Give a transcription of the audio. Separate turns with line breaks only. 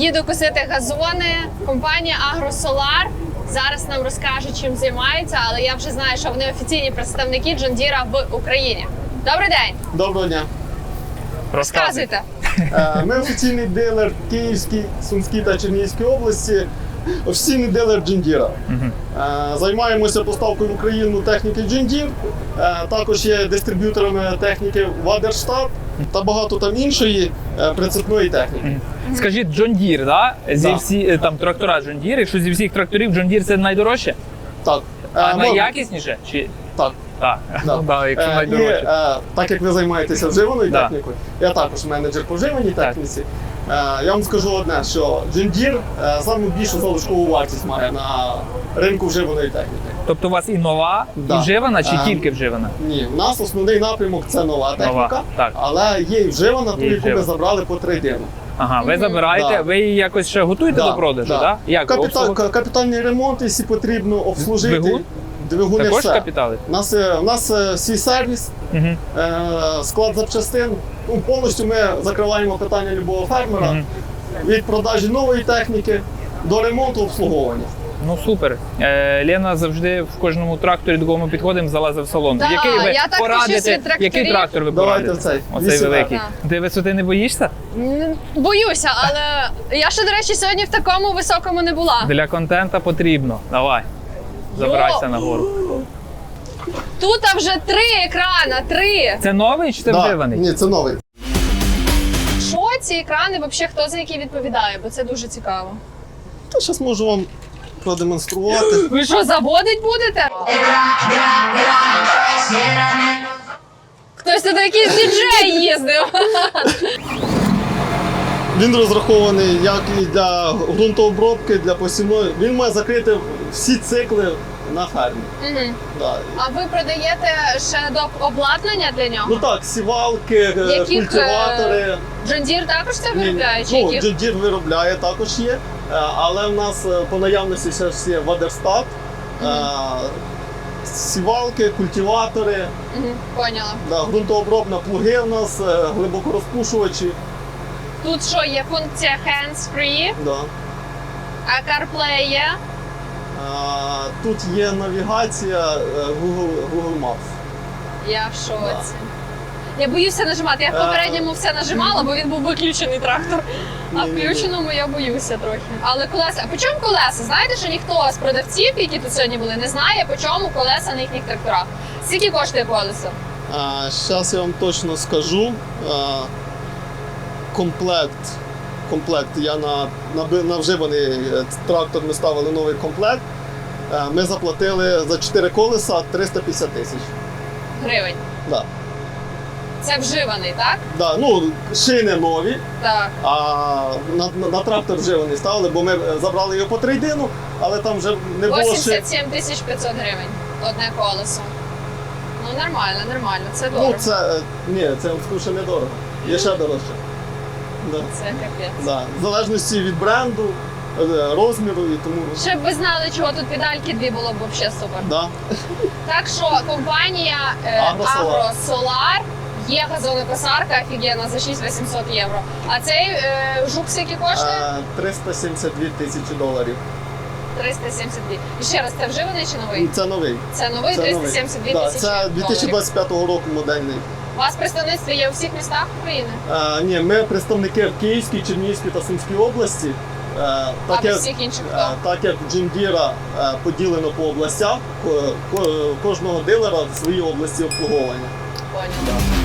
Їду косити газони. Компанія Агросолар зараз нам розкаже, чим займається, але я вже знаю, що вони офіційні представники John Deere в Україні. Добрий день!
Доброго дня.
Розказуйте.
Ми офіційний дилер Київській, Сумській та Чернігівській області. Офіційний дилер John Deere. Займаємося поставкою в Україну техніки John Deere. Також є дистриб'юторами техніки Waderstad та багато там іншої прицепної техніки.
Скажіть, John Deere, да?
Да.
Всі там трактора John Deere, якщо зі всіх тракторів John Deere це найдорожче?
Так.
А найякісніше? Чи...
Так.
Так,
Да.
ну, да, якщо найдорожче.
Так як ви займаєтеся вживаною
Да.
технікою, я також менеджер по вживаній техніці. Я вам скажу одне, що John Deere саму більшу залишкову вартість має на ринку вживаної техніки.
Тобто у вас і нова,
Да.
і вживана, чи тільки вживана?
Ні, у нас основний напрямок це нова техніка,
так.
але є і вживана, ту,
Є і
яку ми
вживана.
забрали по трейдину.
Ага, ви забираєте,
Да.
ви її якось ще готуєте до продажу, так? Да. Як?
Капітальний ремонт, якщо потрібно обслужити.
Двигун?
Двигуни
Також
все.
капітали?
У нас свій сервіс,
Угу.
склад запчастин. Повністю ми закриваємо питання любого фермера від продажі нової техніки до ремонту обслуговування.
Ну супер. Лена завжди в кожному тракторі, до кого ми підходимо, залазить в салон.
Да,
який ви
я так вчусь від тракторів.
який трактор ви
Давайте
порадите?
цей,
Оцей
8R.
великий.
Да.
Ти висоти не боїшся?
Боюся, але я ще, до речі, сьогодні в такому високому не була.
Для контента потрібно. Давай. Забирайся нагору.
Тут вже 3 екрана, 3.
Це новий чи це вживаний?
Ні, це новий.
Що ці екрани, взагалі, хто за які відповідає? Бо це дуже цікаво.
Та зараз можу вам продемонструвати.
Ви що, заводить будете? Хтось тут якийсь діджей їздив.
Він розрахований як і для ґрунтообробки, для посівної. Він має закрити всі цикли на фермі. Да.
А ви продаєте ще до обладнання для нього?
Ну так, сівалки,
Яких,
культиватори.
John Deere також це
Ні,
виробляє? Чи
ну,
яких?
John Deere виробляє, також є. Але в нас по наявності ще ж є Waderstad, сівалки, культиватори,
Поняла.
да, ґрунтообробна плуги в нас, глибокорозпушувачі.
Тут що, є функція hands-free,
Да.
а CarPlay є?
Тут є навігація Google Maps.
Я в шоці. Я боюся нажимати. Я в попередньому все нажимала, бо він був виключений трактор. А
Ні-ні-ні.
включеному я боюся трохи. Але колеса. А по чому колеса? Знаєте, що ніхто з продавців, які тут сьогодні були, не знає, по чому колеса на їхніх тракторах. Скільки коштує колесо?
Зараз я вам точно скажу. Комплект. Я на вживаний трактор ми ставили новий комплект. Ми заплатили за 4 колеса 350 тисяч.
Гривень.
Да.
Це вживаний, так?
Да, ну, шини нові,
Так.
а на трактор вживаний ставили, бо ми забрали його по трейдину, але там вже не було шин.
87 500 гривень. Одне колесо. Ну нормально, це
Ну,
дорого.
ні, це я вам скажу, що недорого. Є ще дорожче. Да.
Це капець.
Да. В залежності від бренду, розміру і тому.
Щоб ви знали, чого тут педальки дві було б взагалі супер.
Да.
Так що компанія
Агросолар.
Агросолар є газонокосарка офігенна за 6800 євро. А цей жук скільки коштує?
372 тисячі доларів.
372. І ще раз, це вживаний чи новий?
Це новий.
Це новий 372
Да,
тисячі
це
доларів.
2025 року модельний.
У вас представництво є у всіх містах України?
Ні, ми представники в Київській, Чернігівській та Сумській області.
А
Так
в
як,
всіх інших хто?
так як John Deere поділено по областях, кожного дилера в своїй області обслуговування.
Поняла.